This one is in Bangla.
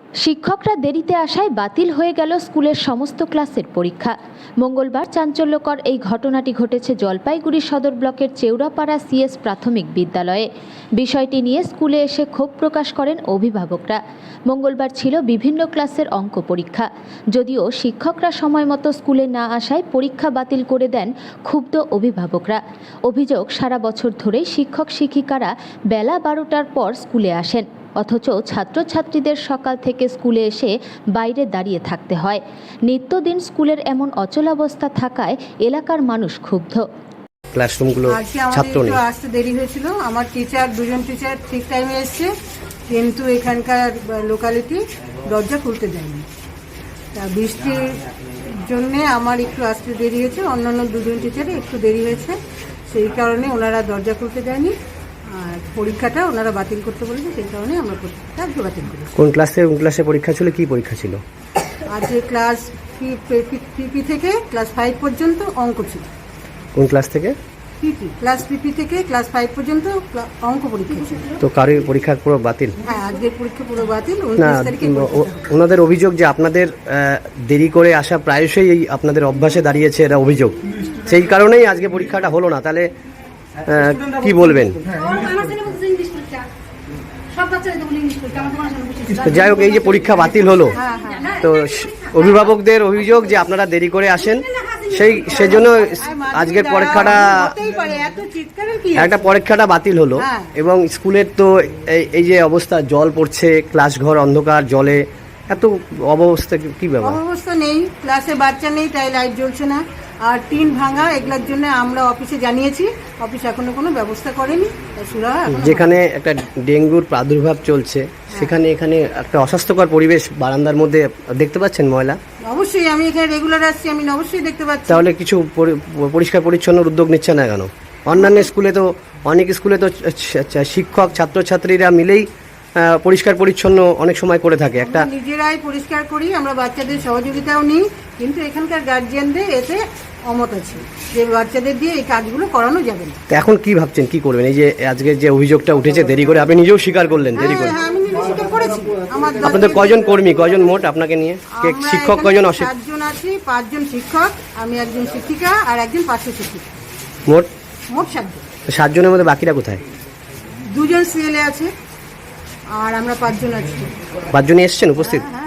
শিক্ষকরা দেরিতে আসায় বাতিল হয়ে গেল স্কুলের সমস্ত ক্লাসের পরীক্ষা। মঙ্গলবার চাঞ্চল্যকর এই ঘটনাটি ঘটেছে জলপাইগুড়ি সদর ব্লকের চেউরাপাড়া সিএস প্রাথমিক বিদ্যালয়ে। বিষয়টি নিয়ে স্কুলে এসে ক্ষোভ প্রকাশ করেন অভিভাবকরা। মঙ্গলবার ছিল বিভিন্ন ক্লাসের অঙ্ক পরীক্ষা। যদিও শিক্ষকরা সময় মতো স্কুলে না আসায় পরীক্ষা বাতিল করে দেন ক্ষুব্ধ অভিভাবকরা। অভিযোগ, সারা বছর ধরেই শিক্ষক শিক্ষিকারা বেলা 12টার পর স্কুলে আসেন, অথচ ছাত্রছাত্রীদের সকাল থেকে স্কুলে এসে বাইরে দাঁড়িয়ে থাকতে হয়। নিত্যদিন স্কুলের এমন অচলাবস্থা থাকায় এলাকার মানুষ ক্ষুব্ধ। ক্লাসরুমগুলো ছাত্র নেই। আসতে দেরি হয়েছিল, আমার দুজন টিচার ঠিক টাইমে এসছে, কিন্তু এখানকার লোকালিটি দরজা খুলতে দেয়নি। তা বৃষ্টির জন্য আমার একটু আসতে দেরি হয়েছে, অন্যান্য দুজন টিচারের একটু দেরি হয়েছে, সেই কারণে ওনারা দরজা খুলতে দেয়নি আর পরীক্ষাটা ওনারা বাতিল করতে বলেছে, সেই কারণে আমরা পরীক্ষাটা বাতিল করি। কোন ক্লাসে পরীক্ষা ছিল, কি পরীক্ষা ছিল? আজকে ক্লাস পিপি থেকে ক্লাস 5 পর্যন্ত অঙ্ক ছিল। কোন ক্লাস থেকে? ক্লাস পিপি থেকে ক্লাস 5 পর্যন্ত অঙ্ক পরীক্ষা ছিল। তো কারোর পরীক্ষা পুরো বাতিল? হ্যাঁ, আজকের পরীক্ষা পুরো বাতিল। না, ওনাদের অভিযোগ যে আপনাদের দেরি করে আসা প্রায়শই এই আপনাদের অভ্যাসে দাঁড়িয়েছে, এটা অভিযোগ। সেই কারণেই আজকে পরীক্ষাটা হলো না। তাহলে কি বলবেন? যাই হোক, এই যে পরীক্ষা বাতিল হলো, তো অভিভাবকদের অভিযোগ যে আপনারা দেরি করে আসেন, সেজন্য আজকের পরীক্ষাটা বাতিল হলো। এবং স্কুলের তো এই যে অবস্থা, জল পড়ছে, ক্লাস ঘর অন্ধকার, জলে এত অবস্থা, কি ব্যাপার? অবস্থা নেই, ক্লাসে বাচ্চা নেই, তাই লাইট জ্বলছে না। আর টিন ভাঙা, এগুলোর জন্য আমরা অফিসে জানিয়েছি, অফিস এখনো কোনো ব্যবস্থা করেনি। যেখানে একটা ডেঙ্গুর প্রাদুর্ভাব চলছে, সেখানে এখানে একটা অস্বাস্থ্যকর পরিবেশ বারান্দার মধ্যে দেখতে পাচ্ছেন ময়লা? অবশ্যই, আমি এখানে রেগুলার আসছি, আমি অবশ্যই দেখতে পাচ্ছি। তাহলে কিছু পরিষ্কার পরিচ্ছন্ন উদ্যোগ নিচ্ছে না কেন? অন্যান্য স্কুলে তো, অনেক স্কুলে তো শিক্ষক ছাত্রছাত্রীরা মিলেই পরিষ্কার পরিচ্ছন্ন অনেক সময় করে থাকে। একটা নিজেরাই পরিষ্কার করি, আমরা বাচ্চাদের সহযোগিতাও নিই, কিন্তু এখানকার গার্জিয়ানদের এতে অমত আছে যে বাচ্চাদের দিয়ে এই কাজগুলো করানো যাবে না। এখন কি ভাবছেন, কি করবেন? এই যে আজকে যে অভিযোগটা উঠেছে দেরি করে, আপনি নিজেও স্বীকার করলেন দেরি করে। আমি নিজে স্বীকার করেছি। আপনাদের কয়জন কর্মী, কয়জন মোট আপনাকে নিয়ে? শিক্ষক কয়জন? 7 জন আছি, 5 জন শিক্ষক, আমি একজন শিক্ষিকা আর একজন পার্শ্ব শিক্ষিকা। মোট 7 জন। 7 জনের মধ্যে বাকিরা কোথায়? 2 জন সিএলএ আছে আর আমরা 5 জন আছি। 5 জনই এসেছেন উপস্থিত?